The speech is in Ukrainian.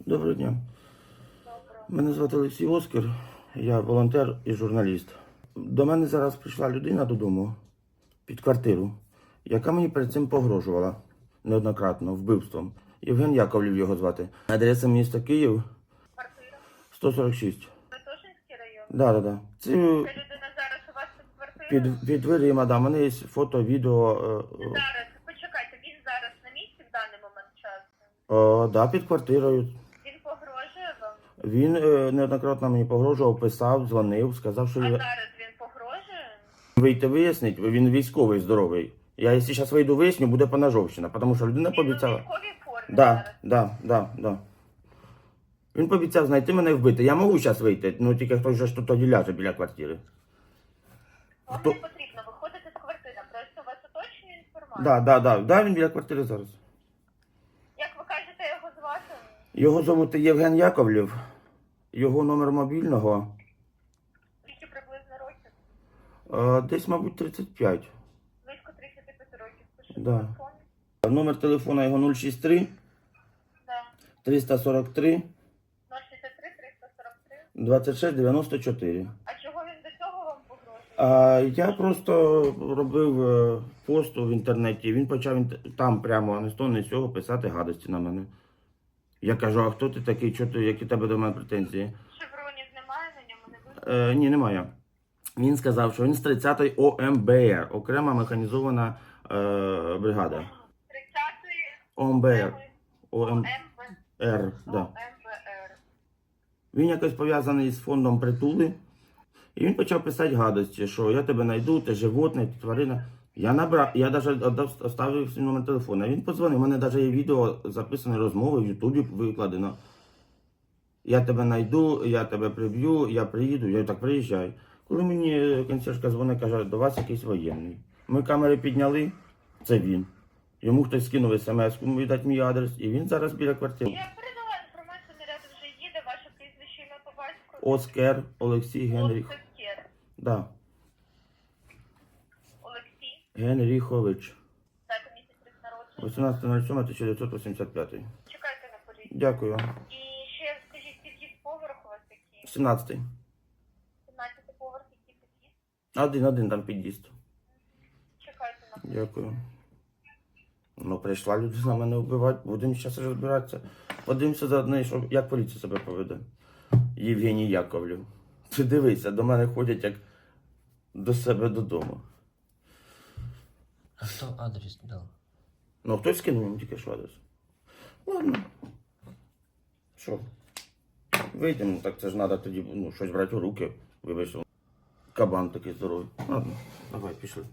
Доброго дня. Доброго. Мене звати Олексій Оскар, я волонтер і журналіст. До мене зараз прийшла людина додому під квартиру, яка мені перед цим погрожувала неоднократно вбивством. Євген Яковлів його звати. Адреса міста Київ, Квартира? 146. Святошинський район? Да. Це Ця людина зараз у вас тут квартира? під дверима, да. У мене є фото, відео. Зараз, почекайте, він зараз на місці в даний момент часу? Да, під квартирою. Він погрожує вам? Він неоднократно мені погрожував, писав, дзвонив, сказав, що А зараз він погрожує? вийти вияснить, він військовий здоровий. Я якщо зараз вийду виясню, буде поножовщина, тому що людина Він у пообіцяла. військовій формі Да. Він пообіцяв знайти мене і вбити. Я можу зараз вийти, ну тільки хтось же ж тут тоді ляже біля квартири. Вам Хто? не потрібно виходити з квартири, просто у вас уточнює інформацію. Да, він біля квартири зараз. Як ви кажете, його звати? Його звуть Євген Яковлів, його номер мобільного, Скільки приблизно років? десь, мабуть, 35. Близько 35 років. Пише Да. телефон. Номер телефона його 063 Да. 343 063 343. 26 94. А чого він до цього вам погрожує? Я просто робив пост в інтернеті, він почав там прямо не з того, не з цього писати гадості на мене. Я кажу, а хто ти такий, які тебе до мене претензії? Шевронів немає на ньому, не видно? Ні, немає. Він сказав, що він з 30-ї ОМБР, окрема механізована бригада. 30-ї ОМБР. ОМБ. Да. ОМБР. Він якось пов'язаний з фондом притули. І він почав писати гадості, що я тебе знайду, ти животне, ти тварина. Я навіть оставив свій номер телефона. Він подзвонив, у мене навіть є відео записане розмови в Ютубі викладено. Я тебе знайду, я тебе приб'ю, я приїду, я так приїжджаю. Коли мені консьержка дзвонить, каже, до вас якийсь воєнний. Ми камери підняли, це він. Йому хтось скинув смс-ку, видать мій адрес, і він зараз біля квартири. Я передала інформацію, наряд вже їде, ваше прізвище, ім'я по батькові. Оскар Олексій Генріх. Оскар. Да. Олексій. Генріхович. Дата місяць народження. 18.07.1985. Чекайте на поліцію. Дякую. І ще скажіть, який поверх у вас який? 17-й. 17-й поверх, який під'їзд? Один там під'їзд. Чекайте на поліцію. Дякую. Ну, прийшла людина мене вбивати, будемо зараз розбиратися. Подивимося заодно, що, як поліція себе поведе. Євгеній Яковлів. Ти дивися, до мене ходять як до себе додому. А хто адрес дав? Ну, хтось скинув йому тільки що адрес. Ладно. Що? Вийдемо, так це ж треба тоді щось брати у руки. Вибачте, кабан такий здоровий. Ладно, давай, пішли.